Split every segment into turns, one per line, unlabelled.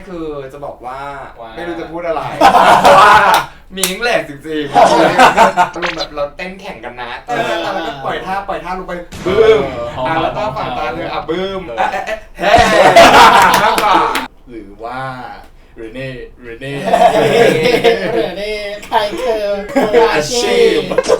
คือจะบอกว่าไม่รู้จะพูดอะไรว่ามีนิ้งแหลกจริงๆอารมณ์แบบเราเต้นแข่งกันนะแล้วก็ปล่อยท่าลงไปบึ้มแล้วก็ฝั่งตาเลยบึ้มเฮ้มากกว่า
หรือว่าเรเน่
ใครคืออาชีพ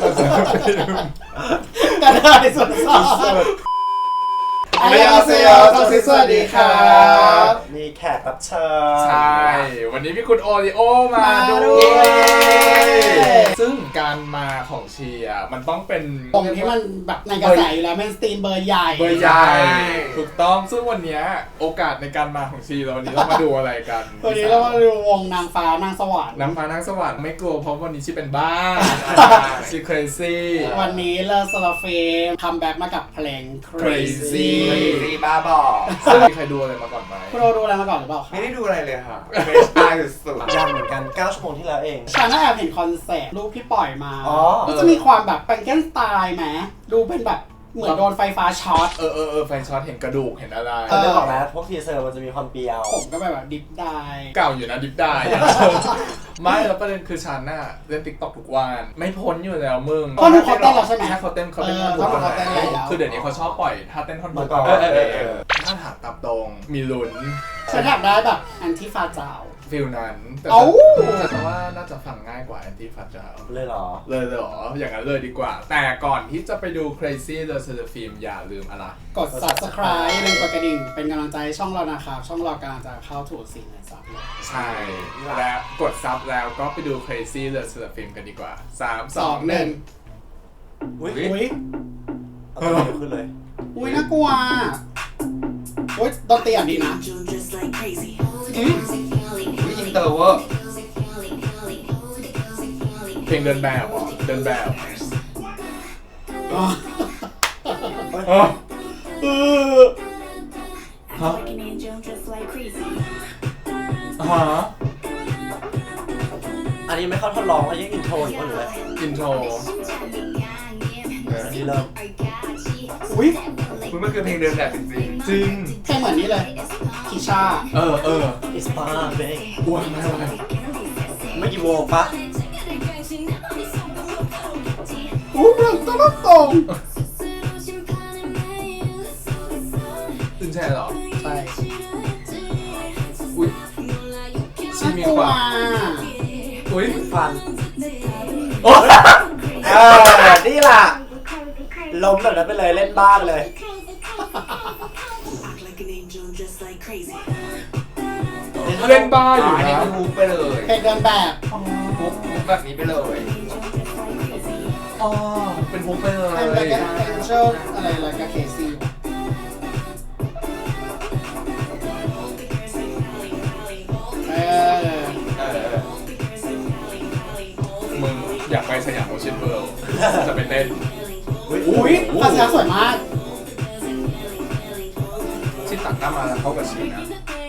กระเทยสุดสอดอันยองเซโยสวัสดีครับ
มีแขกรับเชิญ
ใช่วันนี้มีคุณโอริโอมาด้วยซึ่งการมาของเชียร์มันต้องเป็น
ตรงที่มันแบบในกระแสอยู่แล้วมันสตรีมเบอร์ใหญ่
ถูกต้องซึ่งวันนี้โอกาสในการมาของเชียร์วันนี้เรามาดูอะไรกัน
วันนี้เรามาดูวงนางฟ้านางสวรรค์
ไม่กลัวเพราะวันนี้ชีเป็นบ้าชี crazy
วันนี้เลอสลาเฟมคัมแบ็กมากับเพลง
crazy
บ้าบอ
ซึ่งมีใครดูอะไรมาก่อนไหม
คุณโอดูอะไรมาก่อนหรือเปล่าคะ
ไม่ได้ดูอะไรเลยค่ะเฟรชไอสุด
ยังเหมือนกัน9 ชั่วโมงที่แล้วเอง
ฉันน่าแอบเห็นคอนเซ็ปต์รูปที่ปล่อยมาก็จะมีความแบบเป็นแกนสไตล์ไหมดูเป็นแบบเหมือนโดนไฟฟ้าช็อต
ไฟช็อตเห็นกระดูกเห็นอะไร
ได้บอกแล้วพวกทีเซอร์มันจะมีความเปรี้ยว
ผมก็แบบดิฟได้
เก่าอยู่นะดิฟได้ไม่แล้วประเด็นคือฉันน่ะเล่น TikTok ทุกวันไม่พ้นอยู่แล้วมึง
ก็เขาเต้นแล้วใช่ไหม
เขาเต้นท่อนคือเดี๋ยวนี้เขาชอบปล่อยท่าเต้นท่อนบุกถ้าถามตามตรงมีลุ้น
ฉันอยากได้แบบอันที่ฟ้าเจ้า
ฟิลนั้นแต่ว่าน่าจะฟังง่ายกว่าแอนตี้ฟัดจา
เลยเหรอ
อย่างนั้นเลยดีกว่าแต่ก่อนที่จะไปดู Crazy The Film อย่าลืมอะไร
กด Subscribe ลืมกดกระดิ่งเป็นกำลังใจช่องเรานะครับช่องเรากำลังจะเข้าถูกสิ่งในซับ
ใช่และกดซับแล้วก็ไปดู Crazy The Film กันดีกว่า3 2 1
อุ้ยเอาตัวขึ้นเลย
อุ้ยน่ากลัวอุ้ยดนตรีอ่ะดีนะ
อินเตอร์เวอร์
เพลงเดินแบบ
อันนี้ไม่เข้าทดลองอันนี้อินโทรหรือว่าอะไร
อินโทร
อันนี้เริ่ม
อุ้ย
มันคือเพลงเดินแบบจริง
เพลงเหมือนนี้เลยคิชา
It's fun baby
อ้วนมากเลย
ไม่กี่โมงปะ
เรื่องตลกตง
ตื่นแช่เหรอ
ใช่
อุ้ยชีมีความอุ้ย
ฟันนี่ล่ะล้มแบบนั้นไปเลยเล่นบ้าไปเลย
เล่นบ้าอยู่นะ
ฮุกไปเลย
เพลงเดินแบบ
ฮุกแบบนี้ไปเลย
เป็นฮุกไปเลย
เพลงเชอร์อะไรกับเคซี่
มึงอยากไปสยามโอเชียนเวิลด์จะไปเต้น
อุ้ยภาษาสวยมาก
ที่ตัดหน้ามาเข้ากับชีนะ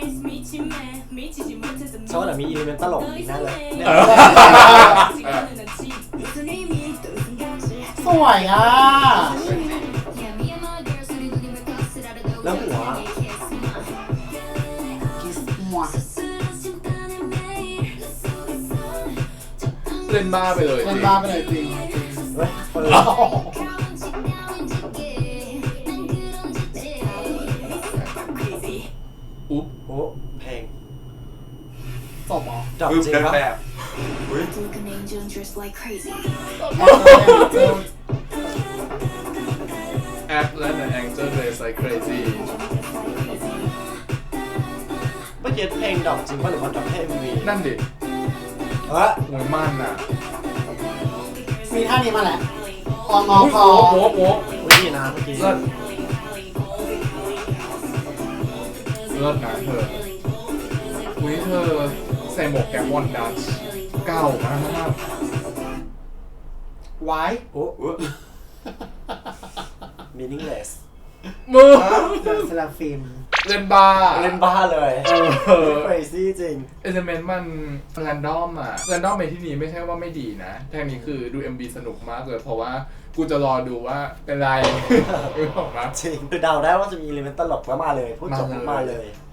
ชอบแต่มีอิเลเมนต์ตลกอีกนั่นเลย
สวยอ่ะ
แล้วหัว
เล่นบ้าไปเลย
จริง
เฮ้ยเพลง
จบเหรอ
จบจริงครับ
Act like an angel plays like crazy
เมื่อกี้เพลงดอกจริงป่ะหรือว่าดอกเพลงมี
นั่นดิ
ห
วยมันอ่ะ
มีท่านี้มาแหละงอคอ
โว้
นี่นะเมื่อกี้
เลิศนะเธออุ้ยเธอใส่หมวกแกมอนดัชเก่ามาก
ไว้
meaningless
มือ
สลับฟิล์ม
เล่นบ้า
เลย crazy จริง
เอลิเมนต์มันแรนดอมในที่นี้ไม่ใช่ว่าไม่ดีนะแท่นี้คือดู MV สนุกมากเลยเพราะว่ากูจะรอดูว่าเป็นไร
จริงคือเดาได้ว่าจะมีอิเลเมนต์ตลกแล้วมาเลยพูดจบมาเลย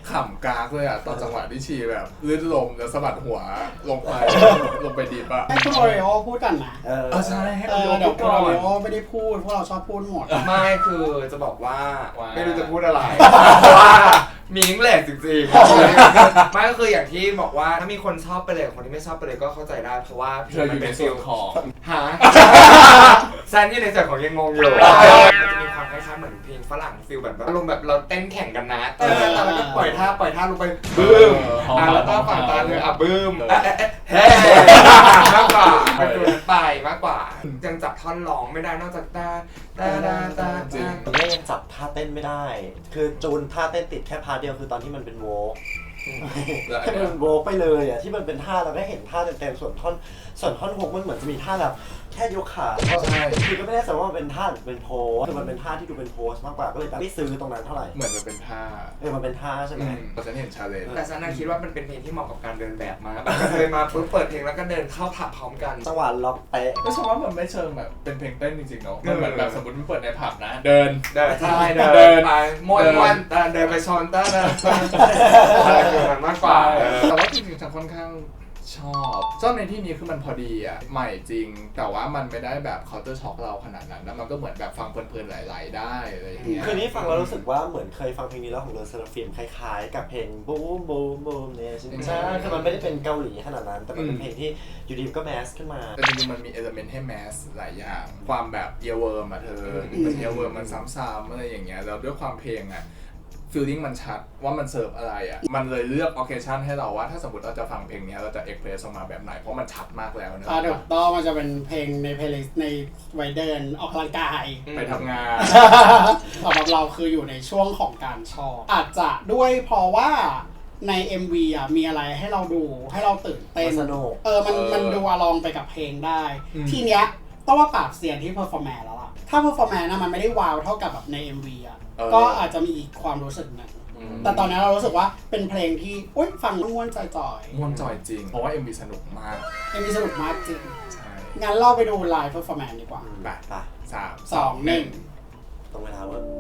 ขำกากเลยอ่ะตอนจังหวะที่ชีแบบลื่นลมแล้วสะบัดหัวลงไป ลงไปดิบอ่ะ
ให้คุณโอริโอพูดกันนะ
ใช่ให้
เดี๋ยวคุณโอริโอไม่ได้พูดพวกเราชอบพูดหมด
ไม่คือจะบอกว่า
ว่า
ไม่รู้จะพูดอะไรเพราะว่ามีอิงแหลกจริงๆไม่ก็คืออย่างที่บอกว่าถ้ามีคนชอบไปเลยคนที่ไม่ชอบไปเลยก็เข้าใจได้เพราะว่า
เธออยู่ในส่วนของ
หาซันอยู่ในส่วนของยังงงอยู่มันจะมีความคล้ายๆเหมือนเพลงฝรั่งฟิลแบบอารมณ์แบบเราเต้นแข่งกันนะแล้วก็ปล่อยท่าลงไปบึ้มแล้วก็ฝั่งตาเลยบึ้มเฮ้มากกว่าเป็นตัวนั้นไปมากกว่ายังจับท่อนร้องไม่ได้นอกจากตา
จริง
ตอนนี้ยังจับท่าเต้นไม่ได้ คือจูนท่าเต้นติดแค่พาร์ทเดียวคือตอนที่มันเป็นโวล์กแค่เป็นโวล์กไปเลยอ่ะที่มันเป็นท่าเราได้เห็นท่าเต็มๆส่วนท่อนฮุกมันเหมือนจะมีท่าแบบแค่ยกขาคือก็ไม่แน่ใจว่ามันเป็นท่าหรือเป็นโพสคือมันเป็นท่าที่ดูเป็นโพสมากกว่าก็เลยแบบไม่ซื้อตรงนั้นเท่าไหร่
เหมือนมันเป็นท่า
มันเป็นท่าใช่ไหม
เราจะเห็นชาเลนจ์
แต่ฉันคิดว่ามันเป็นเพลงที่เหมาะกับการเดินแบบมากเคยมาปุ๊บเปิดเพลงแล้วก็เดินเข้าผับพร้อมกัน
จังหวะล็อกเป๊ะ
ก็ฉันว่ามันไม่เชิงแบบเป็นเพลงเต้นจริงๆเนาะมันเหมือนแบบสมมติมันเปิดในผับนะ เดิน
ใช่เดินไปม้วนเดินไปชนอะไรคือมันมากกว่า
แต่ว่าจริงๆฉันค่อนข้างชอบในที่นี้คือมันพอดีอ่ะใหม่จริงแต่ว่ามันไม่ได้แบบเคาน์เตอร์ช็อคเราขนาดนั้นแล้วมันก็เหมือนแบบฟังเพลินๆไหลๆได้อะไรอย่างเงี้ย
คือนี้ฟังแล้วรู้สึกว่าเหมือนเคยฟังเพลงนี้แล้วของเดอะเซราฟิมคล้ายๆกับเพลงบูมบูมบูมเนี่ยใช่คือมันไม่ได้เป็นเกาหลีขนาดนั้นแต่มันเป็นเพลงที่อยู่ดีก็แมสขึ้นมา
แต่จริงๆมันมีเอลิเมนต์ให้แมสหลายอย่างความแบบเยเวิร์มอะเธอมันเยเวิร์มมันซ้ำๆอะไรอย่างเงี้ยแล้วด้วยความเพลงอะฟีลลิ่งมันชัดว่ามันเสิร์ฟอะไรอ่ะมันเลยเลือกออเคชั่นให้เราว่าถ้าสมมติเราจะฟังเพลงนี้เราจะเอ็กเพรสออกมาแบบไหนเพราะมันชัดมากแล้วนะ
ถูกต้องมันจะเป็นเพลงในเพลย์ลิสต์ในไว้เดินออกกำลังกาย
ไปทำงาน
สำหรับเราคืออยู่ในช่วงของการชอบอาจจะด้วยเพราะว่าใน MV อ่ะมีอะไรให้เราดูให้เราตื่นเต้น
สนุก
มันดูอลองไปกับเพลงได้ ทีเนี้ยต้องว่าปราบเสียนที่เพอร์ฟอร์แมนซ์แล้วล่ะถ้าเพอร์ฟอร์แมนซ์นะมันไม่ได้ว้าวเท่ากับแบบใน MV อ่ะก็อาจจะมีอีกความรู้สึกหนึงแต่ตอนนี้เรารู้สึกว่าเป็นเพลงที่ฟังม่วนๆจ่อยๆ
ม่วนจอยจริงเพราะว่า MV สนุกมาก
MV สนุกมากจริง
ใช่
งั้นเราไปดูไลฟ์เพอร์ฟอร์แมนซ์ดีกว่า
ไป
ไป
3 2 1
ตรงเวลาเว้ย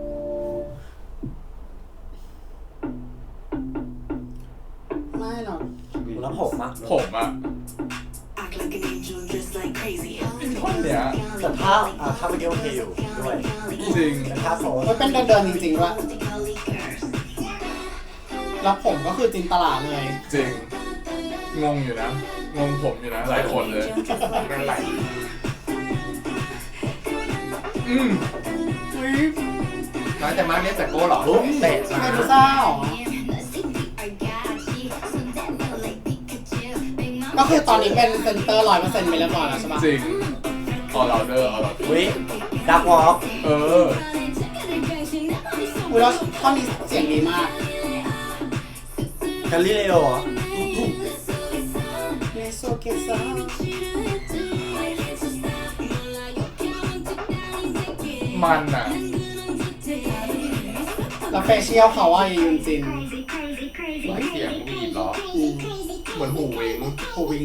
ไม่หรอก
แล้วผมอะ
ผมอะท่อนเนี้ย
แต่ถ้าเมื่อกี้โอเคอยู่ด้วย
จริง
แต่ถ้าโซน
มันเป็นเดินจริงๆด้วยแล้วผมก็คือจินตลาเลย
จริงงงอยู่นะงงผมอยู่นะหลายคนเลย
กันไหล น้อยแต่มากเนี่ยแต่โก้หรอเตะ
ไม่ดูเศร้าก็คือตอนนี้เป็นเซนเตอร์ 100% ไปเรียบร้อยแล้วใช่ปะ
จริงออเราเดอร์
วิดักวอล์ก
แล้วท่อนนี้เสียงดีมาก
กาลิเลโอ
มันอะ
แล้วเฟเชียลเขาว่ายุนจิน
เสียงวีดหรอ
เหมือนหูเวง
หูวิง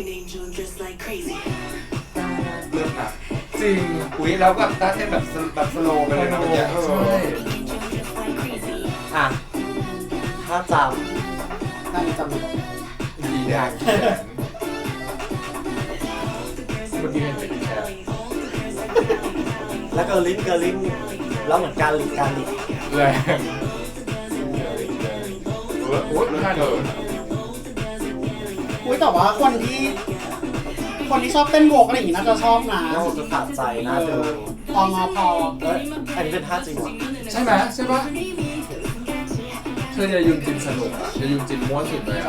เลือกอ่ะ
จริง
อุ้ยแล้วแบบต้าเต้นแบบสโลว์ไปเลยนะเมื่อกี้
ใช่
อ่ะถ้าจ
น่าจะจำ
ดีแดงแขนเมื่อกี้เห็นเป็นแขน
ำแล้วเกอร์ลินแล้วเหมือนการหลีก
แรงโอ๊ยน่าเดิน
แต่ว่าคนที่ชอบเต้นโวกอะไรอย่างงี้น่าจะชอบนะ
น่าจะสะใจน่าดู
พองอพอ
อันนี้เป็นท่าจริงวะ
ใช่ไหมใช่ปะเธอจะยุนจินสนุกอะจะยุนจินม้วนสุดเลยอะ
ใช่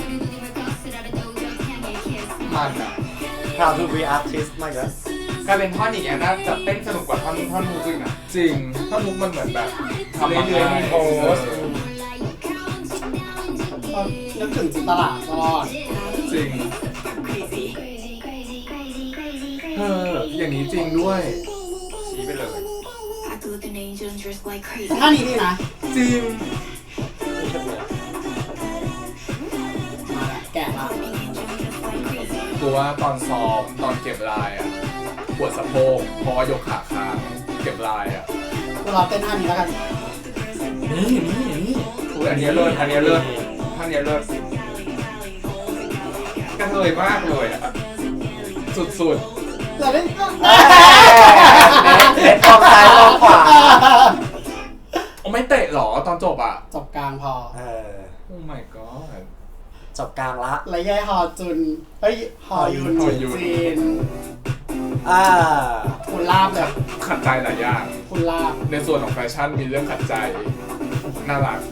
มันอะ
Proud to be artist มากเลย
กลายเป็นท่อนอีกอย่างน่าจะเต้นสนุกกว่าท่อนมูซิกนะ
จริงถ้ามุกมันเหมือนแบบทำมา
เรื่อยๆมีโพส
ก็นึกถึงจินตลาตลอด
จริงอย่างนี้จริงด้วย
ชี้ไปเลย
ท่านี้ดีนะ
จริง
มาละแกะละ
กูว่าตอนซ้อมตอนเก็บลายอะปวดสะโพกเพราะว่ายกขาค้างเก็บลายอะ
เราเต้นท่านี้แล้วกัน
นี่
อันนี้เลิศอันนี้เลิศท่านนี้เลิศกระเทยมากเลยอ่ะ
สุด
เราได้
เล่นมองซ้ายมองขวา
ๆโอ้ไม่เตะหรอตอนจบอ่ะ
จบกลางพอ
โอ้ my god
จบกลางละ
แล้วยายฮอจุนเฮ้ยฮอยุน
ฮอยุน
จีน คุณลาบเลย
ขัดใจหลายอย่าง
คุณลาบ
ในส่วนของแฟชั่นมีเรื่องขัดใจน่ารัก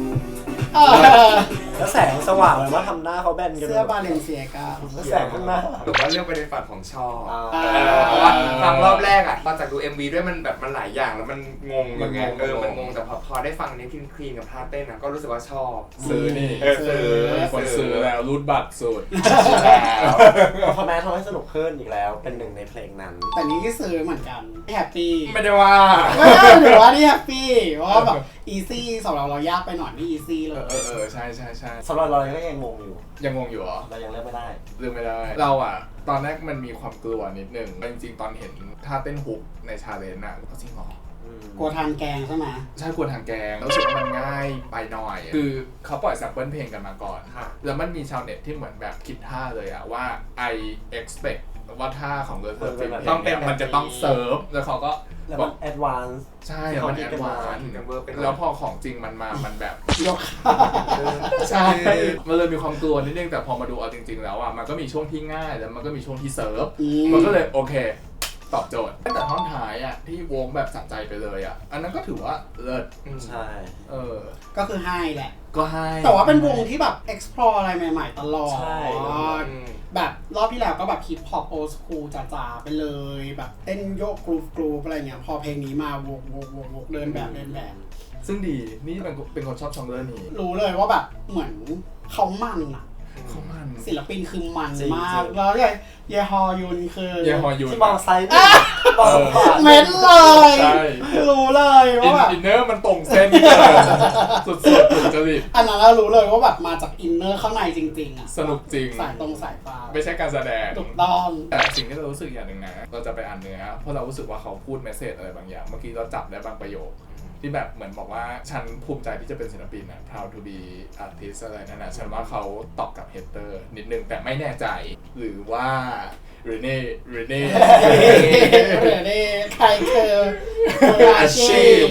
แล้วแสงสว่างเลยว่าทำหน้าเขาแบนกัน
เสื้อบาเลนเซียกา
แล้วแสงข้างหน้า
หรือว่าเรื่องไปในฝันของชอบ
อ่า
เพราะว่าฟังรอบแรกอ่ะตอนจากดู MV ด้วยมันแบบมันหลายอย่างแล้วมันงงมันงงมันงงแต่พอได้ฟังนี้คลีนกับท่าเต้นอ่ะก็รู้สึกว่าชอบ
ซื้อนี่
ซื้อ
คนซื้อแล้วรูดบัตรสุด
แล้ว
พอแม้ทำให้สนุกขึ้นอีกแล้วเป็นหนึ่งในเพลงนั้น
แต่นี้ก็ซื้อเหมือนกันแฮปปี้
ไม่ได้ว่า
ไม่ได้หรือว่านี่แฮปปี้เพราะว่าแบบอีซี่สำหรับเรายากไปหน่อยนี่อีซี่เลย
ใช่ใช่
สำหรับเราก็ยังงงอยู่
ยังงงอยู่เหรอ
เรายังเลือกไม่ได้
เลือกไม่ได้ เราอ่ะ ตอนแรกมันมีความกลัวนิดนึงจริงๆตอนเห็นท่าเต้นฮุกในชาเลนจ์อ่ะก็จริงเหรอ
กลัวทานแกงใช่ไหม
ใช่กลัวทางแกงรู้สึกว่ามันง่ายไปหน่อย คือเขาปล่อยแซมเปิลเพลงกันมาก่อน แล้วมันมีชาวเน็ตที่เหมือนแบบคิดท่าเลยอะว่า I expect ว่าท่าของเกิร์ลเซิร์ฟเพลง
ต้องเป็น
เนี่ยมันจะต้องเซิร์ฟแล้วเขาก็
แล้ว
บ
มั
อน ก
แอดวานซ์
ใช่มันแอดวานซ์
เป็น
แล้วพอของจริงมันมา มันแบบ
ยก
ใช่ มันเลยมีความกลัวนิดนึงแต่พอมาดูเอาจริงๆแล้วอ่ะมันก็มีช่วงที่ง่ายแล้วมันก็มีช่วงที่เซิร์ฟ มันก็เลยโอเค ตอบโจทย์แต่ท่อนท้ายอ่ะที่วงแบบสะใจไปเลยอ่ะอันนั้นก็ถือว่าเลิศ
ใช่
ก็คือให้แหละ
ก็ให้
แต่ว่าเป็นวงที่แบบ explore อะไรใหม่ๆตลอด
ใช่
แบบรอบที่แล้วก็แบบฮิปฮอปโอสคูลจ๋าๆไปเลย แบบเต้นโยกกรูฟอะไรเงี้ยพอเพลงนี้มาวกเดินแบบ
ซึ่งดีนี่เป็นคนชอบชองเลอร์นี้
รู้เลยว่าแบบเหมือนเขามันอะ
เขามัน
ศิลปินคือมัน
จริง
มาก
ๆ
แล้วเยฮอยุนคือ
เยฮอยุน
ที่มองซ้ายนี่มองขวา
เม้นเลย
ใช่
รู้เลยว่าแบบ
อินเนอร์มันตรงเส้นเกินสุดๆถูกจริต
อันนั้นเรารู้เลยว่าแบบมาจากอินเนอร์ข้างในจริงๆอะ
สนุกจริง
สายตรงสายฟ้า
ไม่ใช่การแสดง
ถูกต้อง
แต่สิ่งที่เรารู้สึกอย่างหนึ่งนะเราจะไปอ่านเนื้อเพราะเรารู้สึกว่าเขาพูดเมสเซจอะไรบางอย่างเมื่อกี้เราจับได้บางประโยค ที่แบบเหมือนบอกว่าฉันภูมิใจที่จะเป็นศิลปินนะ proud to be artist อะไรนั่นนะฉันว่าเขาตอบกับเฮเตอร์นิดนึงแต่ไม่แน่ใจหรือว่าเรเน่
เดี๋ยวนี้ใครคือมืออาชีพ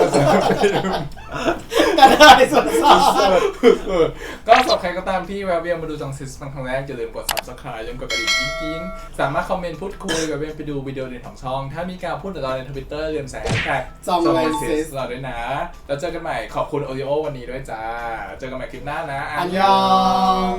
ก็ได้ส่วนสอบ
ก็สำหรับใครก็ตามที่แวะเวียนมาดูจังซิสครั้งแรกอย่าลืมกด subscribe อย่าลืมกดกระดิ่งกิ๊งๆสามารถคอมเมนต์พูดคุยแวะเวียนไปดูวิดีโอเด่นของช่องถ้ามีการพูดถึงเราใน Twitter อย่าลืมใส่ hashtag
จองเลยซิส
เราด้วยนะ แล้วเจอกันใหม่ขอบคุณโอริโอวันนี้ด้วยจ้า เจอกันใหม่คลิปหน้านะ
อันยอง